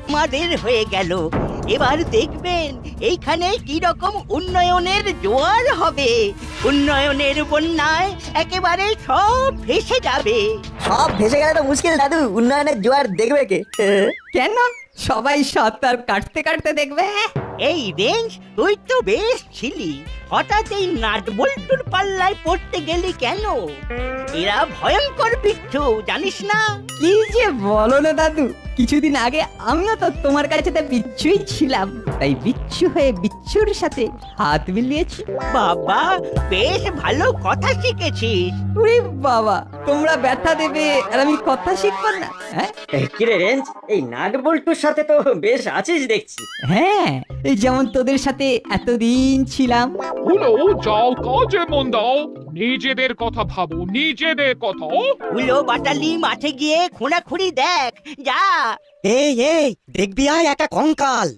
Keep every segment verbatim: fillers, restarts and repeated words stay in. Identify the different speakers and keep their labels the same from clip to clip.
Speaker 1: আমাদের হয়ে গেল। এবার দেখবেন এইখানে কি রকম উন্নয়নের জোয়ার হবে। উন্নয়নের বন্যায় একেবারে সব ভেসে যাবে।
Speaker 2: সব ভেসে গেলে তো মুশকিল দাদু, উন্নয়নের জোয়ার দেখবে কে?
Speaker 3: কেন সবাই সাঁতার কাটতে কাটতে দেখবে?
Speaker 1: এই রেঞ্জ, তুই তো বেশ ছিলি, হঠাৎ এই নাট বল্টুর পাল্লায় পড়তে গেলি কেন? এরা ভয়ঙ্কর বিচ্ছু, জানিস না?
Speaker 3: কি যে বলো না দাদু, কিছুদিন আগে আমিও তো তোমার কাছে বিচ্ছুই ছিলাম, তাই বিচ্ছু হয়ে বিচ্ছুর সাথে হাত মিলিয়েছি।
Speaker 1: বাবা, বেশ ভালো কথা শিখেছিস।
Speaker 3: ওরে বাবা, তোমরা ব্যথা দেবে আর আমি কথা শিখবো না? হ্যাঁ
Speaker 4: কিরে রেঞ্জ, এই নাট বল্টুর সাথে তো বেশ আছিস দেখছি।
Speaker 3: হ্যাঁ, এই যেমন তোদের সাথে এতদিন ছিলাম।
Speaker 5: হলো, যাও কাজে মন দাও, নিজেদের কথা ভাবো, নিজেদের কথা।
Speaker 1: উলো বাটালি মাঠে গিয়ে খোঁড়াখুড়ি দেখ, যা।
Speaker 6: এই এই দেখবি আয় একটা কঙ্কাল।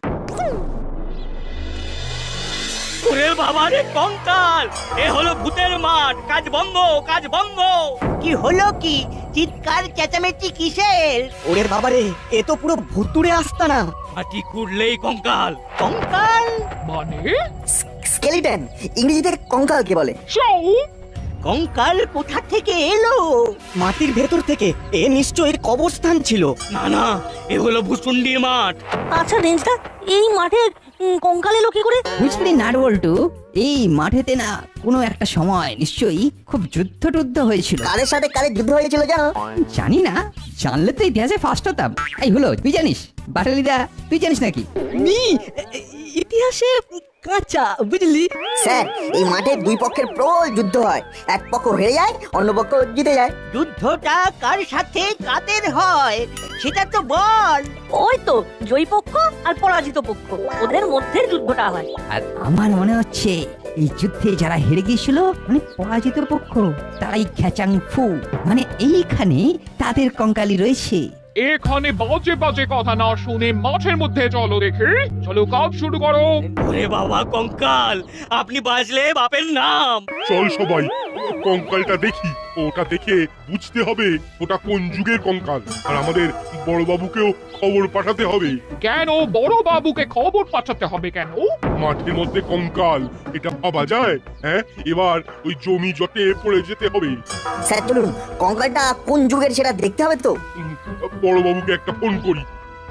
Speaker 1: ওরে বাবারে, কঙ্কাল! এ হলো ভূতের মাঠ, কাজ বন্ধ, কাজ বন্ধ। কি হলো কি? চিৎকার চেঁচামেচি কিসের?
Speaker 6: ওরে বাবারে, এ তো পুরো ভুতুড়ে আস্তানা।
Speaker 1: মাটি কুড়লেই কঙ্কাল। কঙ্কাল
Speaker 5: মানে
Speaker 2: স্কেলিটন, ইংরেজিতে কঙ্কালকে বলে।
Speaker 5: যাও,
Speaker 1: কঙ্কাল কোথা থেকে এলো?
Speaker 6: মাটির ভেতর থেকে। এ নিশ্চয়ই এর কবরস্থান ছিল।
Speaker 1: না না, এ হলো ভুসুন্ডির মাঠ।
Speaker 7: আচ্ছা রেঞ্জদা, এই মাঠে উম, কঙ্কাল এলো কি করে?
Speaker 3: বুঝলি নাটবল্টু, এই মাঠেতে না কোনো একটা সময় নিশ্চয়ই খুব যুদ্ধ টুদ্ধ হয়েছিল।
Speaker 2: কারের সাথে কারের যুদ্ধ হয়েছিল জানো?
Speaker 3: জানি না, জানলে তো ইতিহাসে ফার্স্ট হতাম। এই হলো, তুই জানিস? বাটালিদা, তুই জানিস নাকি?
Speaker 6: ইতিহাসে কাঁচা, বুঝলি?
Speaker 2: স্যার, এই মাঠে দুই পক্ষের প্রবল যুদ্ধ হয়। এক পক্ষ হেরে যায়, অন্য পক্ষ জিতে যায়।
Speaker 1: যুদ্ধটা কার সাথে কাদের হয় সেটা তো বল।
Speaker 7: ওই তো জয়ী পক্ষ আর পরাজিত পক্ষ, ওদের মধ্যে যুদ্ধটা হয়।
Speaker 3: আর আমার মনে হচ্ছে এই যুদ্ধে যারা হেরে গিয়েছিল মানে পরাজিত পক্ষ, তারাই খ্যাচাং ফু, মানে এইখানে তাদের কঙ্কালি রয়েছে।
Speaker 5: এখানে বাজে বাজে কথা না শুনে মাঠের মধ্যে চলো দেখে, চলো কাজ শুরু করো।
Speaker 1: ওরে বাবা, কঙ্কাল! আপনি বাজলে বাপের নাম।
Speaker 8: চল সবাই কঙ্কালটা দেখি। ওটা দেখে বুঝতে হবে ওটা কোন যুগের কঙ্কাল, আর আমাদের বড়বাবুকেও খবর পাঠাতে হবে।
Speaker 5: কেন বড় বাবুকে খবর পাঠাতে হবে কেন?
Speaker 8: মাঠের মধ্যে কঙ্কাল, এটা ভাবা যায়? হ্যাঁ, এবার ওই জমি জটে পড়ে যেতে হবে।
Speaker 2: স্যার চলুন, কঙ্কালটা কোন যুগের সেটা দেখতে হবে তো।
Speaker 8: উম, বড়বাবুকে একটা ফোন করি।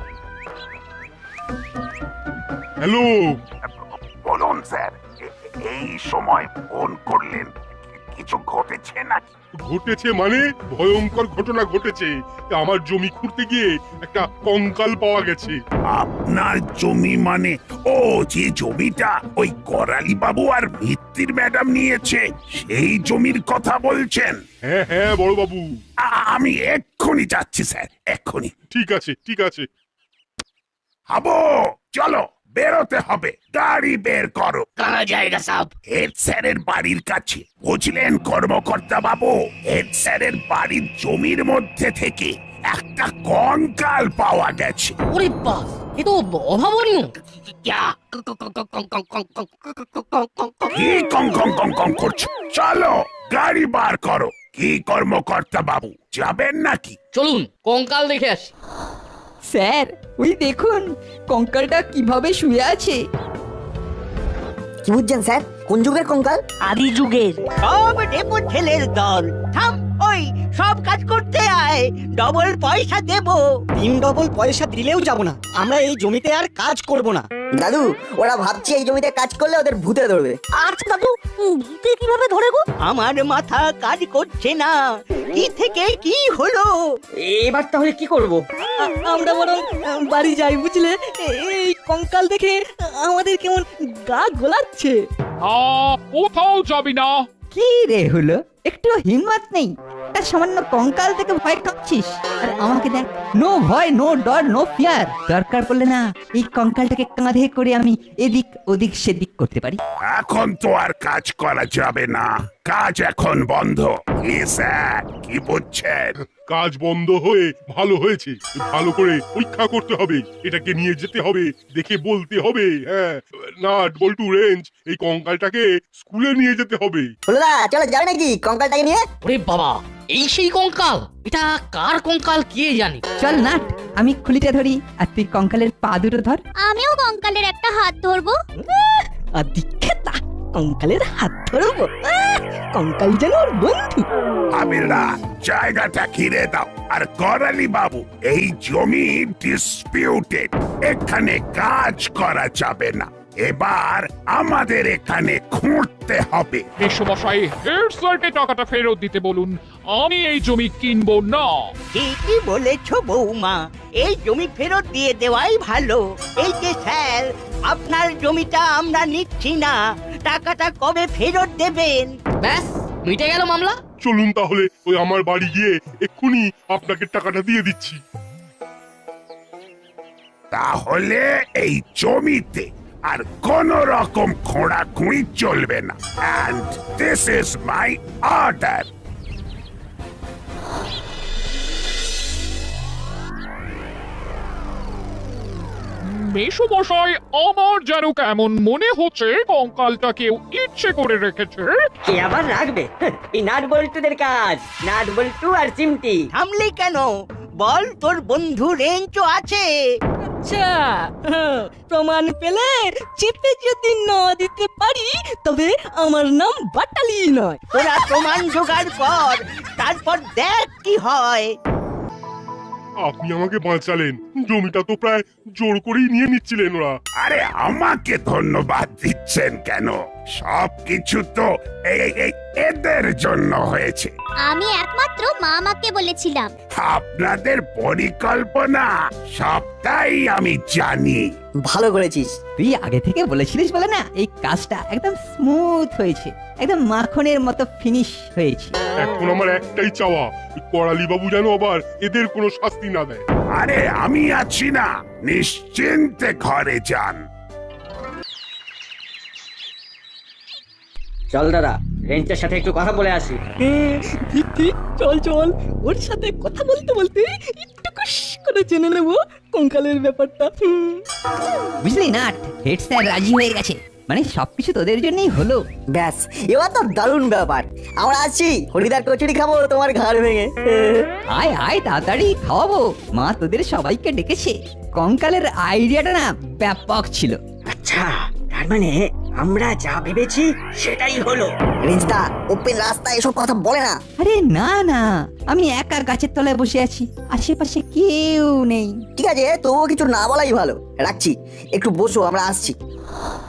Speaker 8: হ্যালো,
Speaker 9: বলুন স্যার, এ- এই সময় ফোন করলেন, কিছু ঘটেছে নাকি?
Speaker 8: ঘটেছে মানে ভয়ঙ্কর ঘটনা ঘটেছে। তা আমার জমি খুঁড়তে গিয়ে একটা কঙ্কাল পাওয়া গেছে।
Speaker 9: আপনার জমি মানে? ও, যে জমিটা ওই করালি বাবু আর ভিত্তির ম্যাডাম নিয়েছে, সেই জমির কথা বলছেন?
Speaker 8: হ্যাঁ হ্যাঁ বড়বাবু।
Speaker 9: আ- আমি এক্ষুনি যাচ্ছি স্যার, এক্ষুনি।
Speaker 8: ঠিক আছে ঠিক আছে।
Speaker 9: হাবো, চলো, বেরোতে হবে, গাড়ি বের করো।
Speaker 1: কারা জায়গা সাব?
Speaker 9: হেড স্যারের বাড়ির কাছে, বুঝলেন কর্মকর্তা বাবু? হেড স্যারের বাড়ির জমির মধ্যে থেকে একটা কঙ্কাল পাওয়া গেছে।
Speaker 7: ওরে বাস, এ তো অভাবনীয়।
Speaker 9: কি কং কং কং কং করছো? চলো, গাড়ি বার করো। কি কর্মকর্তা বাবু, যাবেন নাকি?
Speaker 7: চলুন কঙ্কাল দেখে আসি।
Speaker 3: স্যার, ওই দেখুন কঙ্কালটা কিভাবে শুয়ে আছে।
Speaker 2: কি বুঝছেন স্যার, কোন যুগের কঙ্কাল?
Speaker 7: আদি যুগের।
Speaker 1: সব ডেপো ছেলের দল, থাম। ওই সব কাজ করতে আয়, ডবল পয়সা দেবো।
Speaker 6: তিন ডবল পয়সা দিলেও যাব না, আমরা এই জমিতে আর কাজ করব না।
Speaker 2: দাদু, ওরা ভাবছে এই জমিতে কাজ করলে ওদের ভূতে ধরবে।
Speaker 7: আচ্ছা দাদু, উম, ভূতে কিভাবে ধরে গো?
Speaker 1: আমার মাথা কাজ করছে না, কি থেকে কি হলো।
Speaker 4: এবার তাহলে কি করব?
Speaker 6: আমরা বরং বাড়ি যাই, বুঝলে? এই কঙ্কাল দেখে আমাদের কেমন গা গোলাচ্ছে।
Speaker 5: না, কোথাও যাবি না।
Speaker 3: কি রে হলো, একটু হিম্মত নেই? একটা সামান্য কঙ্কাল থেকে ভয় কাঁপছিস, আর আমাকে দেখ, নো ভয়, নো ডর, নো ফিয়ার। দরকার পড়লে না এই কঙ্কালটাকে কাঁধে করে আমি এদিক ওদিক সেদিক করতে পারি।
Speaker 9: এখন তো আর কাজ করা যাবে না, কাজ এখন বন্ধ। কি স্যার, কি বুঝছেন?
Speaker 8: কাজ বন্ধ হয়ে ভালো হয়েছে, ভালো করে পরীক্ষা করতে হবে, এটাকে নিয়ে যেতে হবে, দেখে বলতে হবে। হ্যাঁ, নাট বল্টু রেঞ্জ, এই কঙ্কালটাকে স্কুলে নিয়ে যেতে হবে।
Speaker 2: হলো না, চলো যাবে নাকি কঙ্কালটাকে নিয়ে?
Speaker 7: ওরে বাবা,
Speaker 6: এই সেই কঙ্কাল? এটা কার কঙ্কাল কে জানে?
Speaker 3: চল নাট, আমি খুলিটা ধরি আর তুই কঙ্কালের পা দুটো ধর।
Speaker 10: আমিও কঙ্কালের একটা হাত ধরবো।
Speaker 6: আর দীক্ষেতা কঙ্কালের হাত ধরবো? আহ, কঙ্কাল যেন ওর বন্ধু।
Speaker 9: আমিরা জায়গাটা ঘিরে দাও। আর করালি বাবু, এই জমি ডিসপিউটেড, এখানে কাজ করা যাবে না। এবার আমাদের এখানে খুঁড়তে হবে।
Speaker 5: মেসমশাই হেড স্যারকে টাকাটা ফেরত দিতে বলুন, আমি এই জমি কিনবো না।
Speaker 1: ঠিকই বলেছ বৌমা, এই জমি ফেরত দিয়ে দেওয়াই ভালো। এই যে স্যার, আপনার জমিটা আমরা নিচ্ছি না, টাকাটা কবে ফেরত দেবেন?
Speaker 6: ব্যাস মিটে গেল মামলা।
Speaker 8: চলুন তাহলে ওই আমার বাড়ি গিয়ে এক্ষুনি আপনাকে টাকাটা দিয়ে দিচ্ছি।
Speaker 9: তাহলে এই জমিতে আর কোন রকম খোঁড়াখুঁড়ি চলবে না। And this is my order.
Speaker 5: মেসমশাই, আমার যেন কেমন মনে হচ্ছে কঙ্কালটা কেউ ইচ্ছে করে রেখেছে।
Speaker 4: কে আবার রাখবে? এই নাট বল্টুদের কাজ। নাট বল্টু আর চিমটি।
Speaker 1: থামলি কেন? বল, তোর বন্ধু রেঞ্চও আছে।
Speaker 6: আচ্ছা, হ্যাঁ, প্রমাণ পেলে চেপে যদি না দিতে পারি তবে আমার নাম বাটালি নয়।
Speaker 1: তোরা প্রমাণ জোগাড় কর, তারপর দেখ কি হয়।
Speaker 8: আপনি আমাকে বাঁচালেন, জমিটা তো প্রায় জোর করেই নিয়ে নিচ্ছিলেন ওরা।
Speaker 9: আরে আমাকে ধন্যবাদ দিচ্ছেন কেন? সবকিছু তো এই এই এদের জন্য হয়েছে।
Speaker 10: আমি একমাত্র মামাকে বলেছিলাম।
Speaker 9: আপনাদের পরিকল্পনা সবটাই আমি জানি।
Speaker 2: ভালো করেছিস।
Speaker 3: তুই আগে থেকে বলেছিলিস বলে না এই কাজটা একদম স্মুথ হয়েছে, একদম মাখনের মতো ফিনিশ হয়েছে।
Speaker 8: এখন আমার একটাই চাওয়া, করালি বাবু যেন আবার এদের কোনো শাস্তি না দেয়।
Speaker 9: আরে আমি আছি না, নিশ্চিন্তে ঘরে যান।
Speaker 4: চল দাদা, রেঞ্চের সাথে একটু কথা বলে আসি।
Speaker 6: হ্যাঁ, ঠিক ঠিক, চল চল, ওর সাথে কথা বলতে বলতে একটু কুশ করে জেনে নেবো কঙ্কালের ব্যাপারটা। হুম।
Speaker 3: বুঝলি নাট, হেড স্যার রাজি হয়ে গেছে, মানে সবকিছু তোদের জন্যই হলো।
Speaker 2: ব্যাস, এবার তো দারুণ ব্যাপার। আমরা আছি, হরিদার কচুরি খাবো তোমার ঘাড় ভেঙে।
Speaker 3: আয় আয় তাড়াতাড়ি খাওয়াবো, মা তোদের সবাইকে ডেকেছে। কঙ্কালের আইডিয়াটা না ব্যাপক ছিল।
Speaker 4: আচ্ছা, তার মানে আমরা যা ভেবেছি সেটাই হলো।
Speaker 2: রিজদা, ওপেন রাস্তায় এসব কথা বলে না।
Speaker 3: আরে না না, আমি একা গাছের তলায় বসে আছি, আশেপাশে কেউ নেই।
Speaker 2: ঠিক আছে, তবুও কিছু না বলাই ভালো। রাখছি, একটু বসো, আমরা আসছি।